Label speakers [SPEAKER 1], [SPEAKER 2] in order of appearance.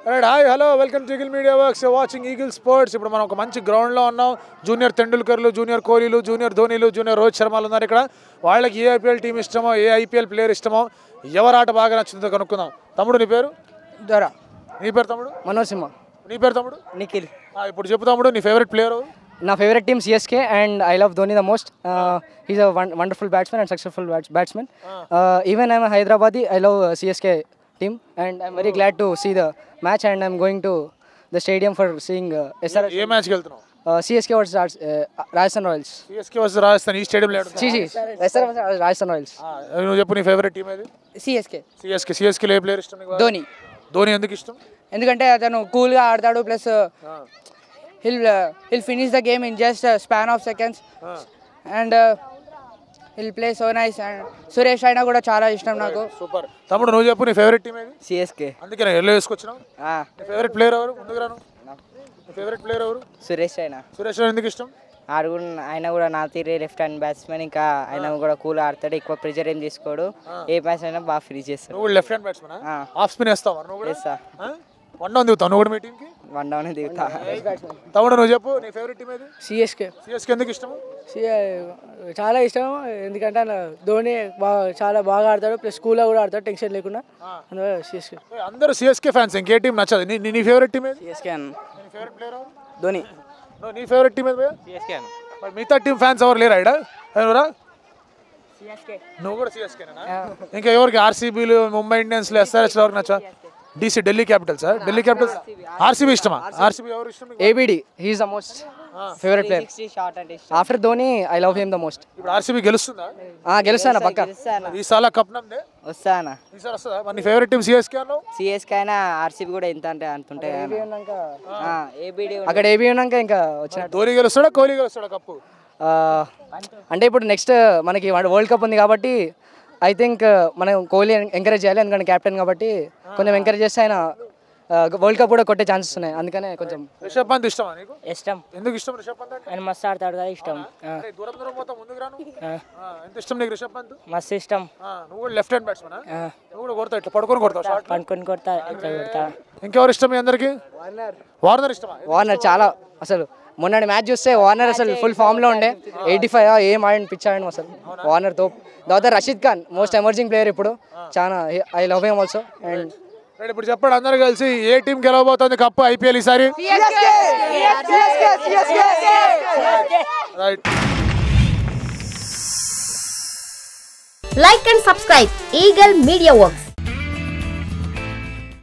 [SPEAKER 1] Right hi hello welcome to Eagle Media Works watching Eagle Sports. ఇప్పుడు మనం ఒక మంచి గ్రౌండ్లో ఉన్నాం. జూనియర్ తెండూల్కర్లు, జూనియర్ కోహ్లీలు, జూనియర్ ధోనీలు, జూనియర్ రోహిత్ శర్మలు ఉన్నారు ఇక్కడ. వాళ్ళకి ఏ ఐపీఎల్ టీం ఇష్టమో, ఏ ఐపీఎల్ ప్లేయర్ ఇష్టమో, ఎవరు ఆట బాగా నచ్చుతుందో కనుక్కుందాం. తమ్ముడు నీ పేరు?
[SPEAKER 2] దొరా.
[SPEAKER 1] నీ పేరు తమ్ముడు?
[SPEAKER 2] మనోజ్ సింహ.
[SPEAKER 1] నీ పేరు తమ్ముడు?
[SPEAKER 2] నిఖిల్.
[SPEAKER 1] ఇప్పుడు చెప్పు తమ్ముడు, నీ ఫేవరెట్ ప్లేయర్?
[SPEAKER 2] నా favourite team CSK and I love Dhoni the most. He's a wonderful batsmen and successful batsmen. Even I'm Hyderabadi, I love CSK team and I'm very glad to see the match and I'm going to the stadium for seeing SRH.
[SPEAKER 1] ఏ మ్యాచ్కి వెళ్తున్నావు?
[SPEAKER 2] CSK versus Rajasthan Royals.
[SPEAKER 1] CSK versus Rajasthan ఈ స్టేడియంలో
[SPEAKER 2] SR versus Rajasthan Royals.
[SPEAKER 1] నువ్వు చెప్పు నీ favourite team ఏది?
[SPEAKER 2] CSK
[SPEAKER 1] లో ఏ ప్లేయర్ ఇష్టం నీకు?
[SPEAKER 2] ధోని.
[SPEAKER 1] ధోని ఎందుకు ఇష్టం?
[SPEAKER 3] ఎందుకంటే అతను కూల్గా ఆడతాడు, plus he'll finish the game in just a span of seconds and he'll play so nice. and Suresh అయినా కూడా చాలా ఇష్టం నాకు.
[SPEAKER 1] సూపర్. తమ్ముడు నువ్వు చెప్పు నీ ఫేవరెట్ టీం ఏది?
[SPEAKER 2] CSK.
[SPEAKER 1] అందుకే నేను ఎల్లో వేసుకొచ్చినావు. నీ ఫేవరెట్ ప్లేయర్ ఎవరు? ముందుకు రాను. నీ ఫేవరెట్ ప్లేయర్ ఎవరు?
[SPEAKER 2] సురేష్ అయినా.
[SPEAKER 1] సురేష్ ఎందుకు ఇష్టం?
[SPEAKER 4] ఆయన కూడా నా తీరే లెఫ్ట్ హ్యాండ్ బ్యాట్స్మెన్. ఇంకా ఆయన కూడా కూల్ ఆడతాడు, ఎక్కువ ప్రెజర్ ఏం తీసుకోడు, ఏ మ్యాచ్ అయినా బాగా ఫ్రీ చేస్తాడు.
[SPEAKER 1] నువ్వు left hand batsmen? Off spin వేస్తావా నువ్వు కూడా?
[SPEAKER 4] వేస్తా.
[SPEAKER 1] వన్ డౌన్ దిగుతావు నువ్వు కూడా మీ టీంకి?
[SPEAKER 4] వన్ డౌన్ దిగుతా.
[SPEAKER 1] తమ్ముడు నువ్వు చెప్పు నీ ఫేవరెట్ టీం ఏది?
[SPEAKER 2] CSK.
[SPEAKER 1] ఎందుకు ఇష్టం?
[SPEAKER 2] చాలా ఇష్టం, ఎందుకంటే ధోని చాలా బాగా ఆడతాడు, ప్లస్ స్కూల్లో కూడా ఆడతాడు టెన్షన్ లేకుండా. అందువల్ల CSK.
[SPEAKER 1] అందరూ CSK ఫ్యాన్స్, ఇంకే టీం నచ్చదు. నీ ఫేవరెట్ టీం ఏది?
[SPEAKER 2] CSK అన్న.
[SPEAKER 1] నీ ఫేవరెట్ ప్లేయర్ ఎవరు?
[SPEAKER 2] ధోని.
[SPEAKER 1] నీ ఫేవరెట్ టీం ఏది?
[SPEAKER 4] CSK అన్న.
[SPEAKER 1] మరి మిగతా టీం ఫ్యాన్స్ ఎవరు లేరా ఇక్కడ? ఎవరా? నువ్వు కూడా CSK నేనా? ఇంకా ఎవరికి? ఆర్సీబీలు, ముంబై ఇండియన్స్, SRH ఎవరికి నచ్చా? DC Delhi Capitals. Delhi Capitals RCB ఇష్టమా? ఆర్సీబీ ఎవరు ఇష్టం?
[SPEAKER 2] ABD. He is the most favorite player. After Dhoni, I love him the most.
[SPEAKER 1] ఇప్పుడు ఆర్సీబీ గెలుస్తుందా?
[SPEAKER 2] గెలుస్తానా పక్కా.
[SPEAKER 1] ఈసారి కప్ నమ్దే
[SPEAKER 4] వస్తానా?
[SPEAKER 1] ఈసారి వస్తుందా? మరి నీ ఫేవరెట్ టీం CSK అన్నావు.
[SPEAKER 4] CSK అయినా ఆర్సీబీ కూడా ఎంత అంటే అంత ఉంటాయి.
[SPEAKER 2] అక్కడ ఏబీ ఉన్నాక ఇంకా వచ్చిన
[SPEAKER 1] ధోని గెలుస్తాడా, కోహ్లీ గెలుస్తాడా కప్పు?
[SPEAKER 2] అంటే ఇప్పుడు నెక్స్ట్ మనకి వరల్డ్ కప్ ఉంది కాబట్టి ఐ థింక్ మనం కోహ్లీ ఎంకరేజ్ చేయాలి, ఎందుకంటే క్యాప్టెన్ కాబట్టి కొంచెం ఎంకరేజ్ చేస్తే ఆయన వరల్డ్ కప్ కూడా కొట్టే ఛాన్సెస్ ఉన్నాయి. అందుకనే కొంచెం.
[SPEAKER 1] రిషబ్ పంత్ ఇష్టమా నీకు?
[SPEAKER 4] ఇష్టం.
[SPEAKER 1] ఎందుకు ఇష్టం రిషబ్ పంత్ అంటే?
[SPEAKER 4] ఆయన మస్తు ఆడతాడు కదా, ఇష్టం.
[SPEAKER 1] దూరం దూరం పోతా ముందుకు రాను. ఎంత ఇష్టం నీకు రిషబ్ పంత్?
[SPEAKER 4] మస్తు ఇష్టం.
[SPEAKER 1] నువ్వు కూడా లెఫ్ట్ హ్యాండ్ బ్యాట్స్మెన్? నువ్వు కూడా కొడతావు, ఇట్లా పడుకొని కొడతావు?
[SPEAKER 4] పనుకొని కొడతా, ఇట్లా కొడతా.
[SPEAKER 1] ఇంకెవరు ఇష్టం మీ అందరికి? వార్నర్ ఇష్టమా?
[SPEAKER 2] వార్నర్ చాలా, అసలు మొన్న మ్యాచ్ చూస్తే వార్నర్ అసలు ఫుల్ ఫామ్లో ఉండే. 85 ఏం ఆడిన పిచ్ ఆడిన అసలు వార్నర్ తో. తర్వాత Rashid Khan most emerging player ఇప్పుడు, చాలా I love him also. And
[SPEAKER 1] ఇప్పుడు చెప్పండి అందరు కలిసి, ఏ టీం గెలవబోతుంది కప్పు ఐపీఎల్ ఈసారి?
[SPEAKER 5] Like and subscribe Eagle Media Works.